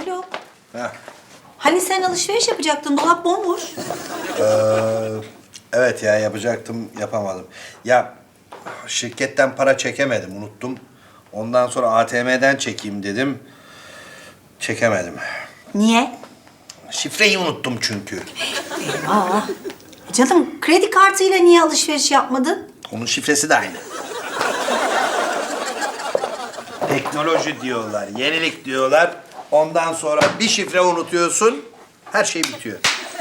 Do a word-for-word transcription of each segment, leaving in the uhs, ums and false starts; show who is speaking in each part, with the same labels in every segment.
Speaker 1: Alo.
Speaker 2: Heh.
Speaker 1: Hani sen alışveriş yapacaktın, dolap bomboş.
Speaker 2: Ee, evet ya yapacaktım, yapamadım. Ya şirketten para çekemedim, unuttum. Ondan sonra A T M'den çekeyim dedim. Çekemedim.
Speaker 1: Niye?
Speaker 2: Şifreyi unuttum çünkü.
Speaker 1: Aa. Canım, kredi kartıyla niye alışveriş yapmadın?
Speaker 2: Onun şifresi de aynı. Teknoloji diyorlar, yenilik diyorlar. Ondan sonra bir şifre unutuyorsun, her şey bitiyor.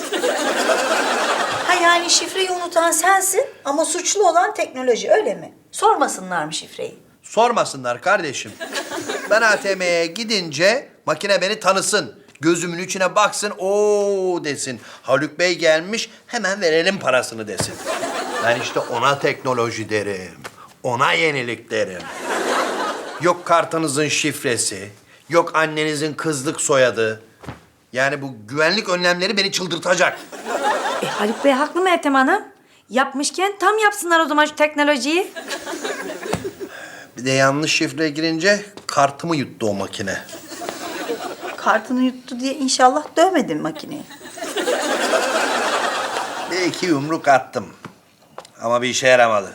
Speaker 1: Ha yani şifreyi unutan sensin ama suçlu olan teknoloji, öyle mi? Sormasınlar mı şifreyi?
Speaker 2: Sormasınlar kardeşim. Ben A T M'ye gidince makine beni tanısın. Gözümün içine baksın, ooo desin. Haluk Bey gelmiş, hemen verelim parasını desin. Ben işte ona teknoloji derim. Ona yenilik derim. Yok kartınızın şifresi, yok annenizin kızlık soyadı. Yani bu güvenlik önlemleri beni çıldırtacak.
Speaker 3: E, Haluk Bey haklı mı Ethem Hanım? Yapmışken tam yapsınlar o zaman şu teknolojiyi.
Speaker 2: Bir de yanlış şifre girince kartımı yuttu o makine.
Speaker 1: Kartını yuttu diye inşallah dövmedin makineyi.
Speaker 2: Bir iki yumruk attım. Ama bir işe yaramadı.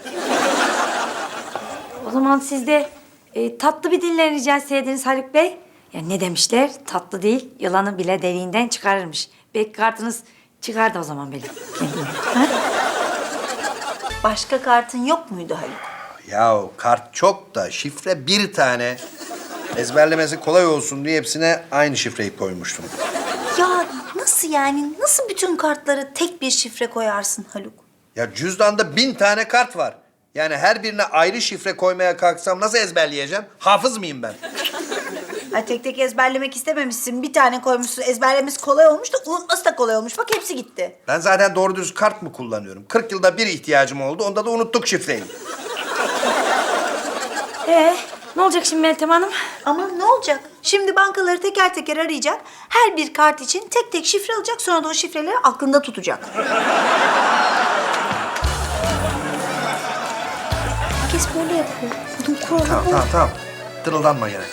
Speaker 3: O zaman siz de e, tatlı bir dille rica etseydiniz Haluk Bey. Ya ne demişler? Tatlı değil, yılanı bile deliğinden çıkarırmış. Belki kartınız çıkardı o zaman benim kendime. Ha?
Speaker 1: Başka kartın yok muydu Haluk?
Speaker 2: Ya kart çok da şifre bir tane. Ezberlemesi kolay olsun diye hepsine aynı şifreyi koymuştum.
Speaker 1: Ya nasıl yani? Nasıl bütün kartlara tek bir şifre koyarsın Haluk?
Speaker 2: Ya cüzdanda bin tane kart var. Yani her birine ayrı şifre koymaya kalksam nasıl ezberleyeceğim? Hafız mıyım ben?
Speaker 1: Ay tek tek ezberlemek istememişsin. Bir tane koymuşsun. Ezberlemesi kolay olmuş da unutması da kolay olmuş. Bak hepsi gitti.
Speaker 2: Ben zaten doğru düz kart mı kullanıyorum? kırk yılda bir ihtiyacım oldu. Onda da unuttuk şifreyi.
Speaker 3: Ee, ne olacak şimdi Meltem Hanım?
Speaker 1: Ama ne olacak? Şimdi bankaları teker teker arayacak. Her bir kart için tek tek şifre alacak. Sonra da o şifreleri aklında tutacak. Herkes böyle yapıyor. Bunun kuralı
Speaker 2: Tamam,
Speaker 1: bu.
Speaker 2: tamam, tamam. Tırıldanma gene.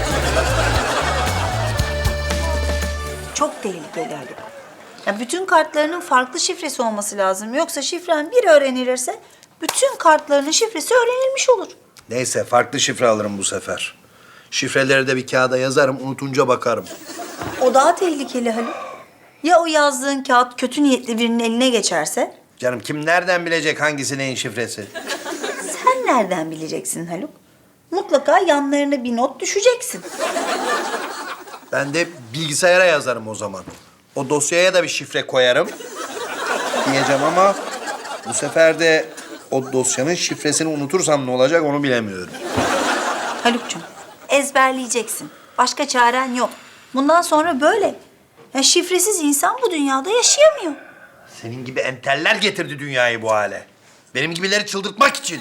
Speaker 1: Çok tehlikeli Haluk. Ya bütün kartlarının farklı şifresi olması lazım. Yoksa şifren bir öğrenilirse bütün kartlarının şifresi öğrenilmiş olur.
Speaker 2: Neyse, farklı şifre alırım bu sefer. Şifreleri de bir kağıda yazarım, unutunca bakarım.
Speaker 1: O daha tehlikeli Haluk. Ya o yazdığın kağıt kötü niyetli birinin eline geçerse?
Speaker 2: Canım kim nereden bilecek hangisi neyin şifresi?
Speaker 1: Sen nereden bileceksin Haluk? Mutlaka yanlarına bir not düşeceksin.
Speaker 2: Ben de bilgisayara yazarım o zaman. O dosyaya da bir şifre koyarım diyeceğim ama bu sefer de o dosyanın şifresini unutursam ne olacak onu bilemiyorum.
Speaker 1: Haluk'cum, ezberleyeceksin. Başka çaren yok. Bundan sonra böyle. Ya şifresiz insan bu dünyada yaşayamıyor.
Speaker 2: Senin gibi enteller getirdi dünyayı bu hale. Benim gibileri çıldırtmak için.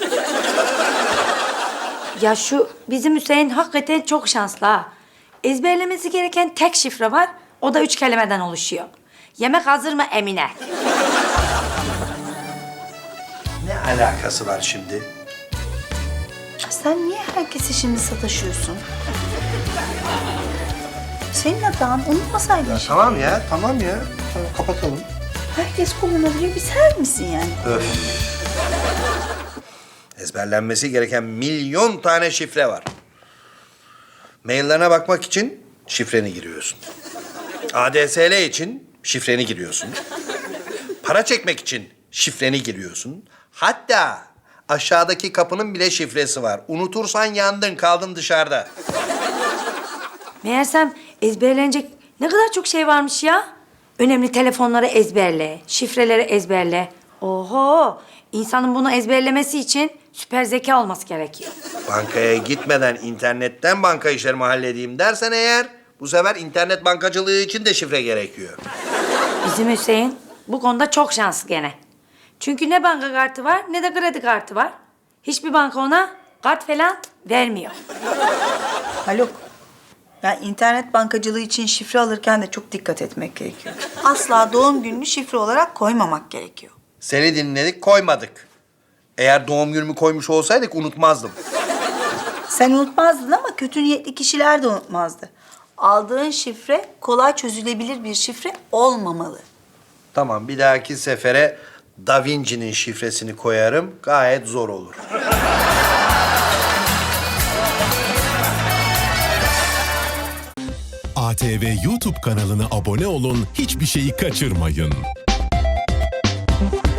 Speaker 3: Ya şu bizim Hüseyin hakikaten çok şanslı ha. Ezberlemesi gereken tek şifre var. O da üç kelimeden oluşuyor. Yemek hazır mı Emine?
Speaker 2: Ne alakası var şimdi?
Speaker 1: Ya sen niye herkese şimdi sataşıyorsun? Senin hatan unutmasaydın. şimdi.
Speaker 2: Tamam ya, tamam ya. Tamam, kapatalım.
Speaker 1: Herkes kullanabilir, bir sen misin yani?
Speaker 2: Öf. Ezberlenmesi gereken milyon tane şifre var. Maillerine bakmak için şifreni giriyorsun. A D S L için şifreni giriyorsun. Para çekmek için şifreni giriyorsun. Hatta aşağıdaki kapının bile şifresi var. Unutursan yandın, kaldın dışarıda.
Speaker 3: Meğersem ezberlenecek ne kadar çok şey varmış ya. Önemli telefonları ezberle, şifreleri ezberle. Oho! İnsanın bunu ezberlemesi için süper zeka olması gerekiyor.
Speaker 2: Bankaya gitmeden internetten banka işlerimi halledeyim dersen eğer... ...bu sefer internet bankacılığı için de şifre gerekiyor.
Speaker 3: Bizim Hüseyin bu konuda çok şanslı gene. Çünkü ne banka kartı var ne de kredi kartı var. Hiçbir banka ona kart falan vermiyor.
Speaker 1: Haluk, ya internet bankacılığı için şifre alırken de çok dikkat etmek gerekiyor. Asla doğum gününü şifre olarak koymamak gerekiyor.
Speaker 2: Seni dinledik, koymadık. Eğer doğum günümü koymuş olsaydık unutmazdım.
Speaker 1: Sen unutmazdın ama kötü niyetli kişiler de unutmazdı. Aldığın şifre kolay çözülebilir bir şifre olmamalı.
Speaker 2: Tamam, bir dahaki sefere Da Vinci'nin şifresini koyarım. Gayet zor olur.
Speaker 4: A T V YouTube kanalına abone olun, hiçbir şeyi kaçırmayın.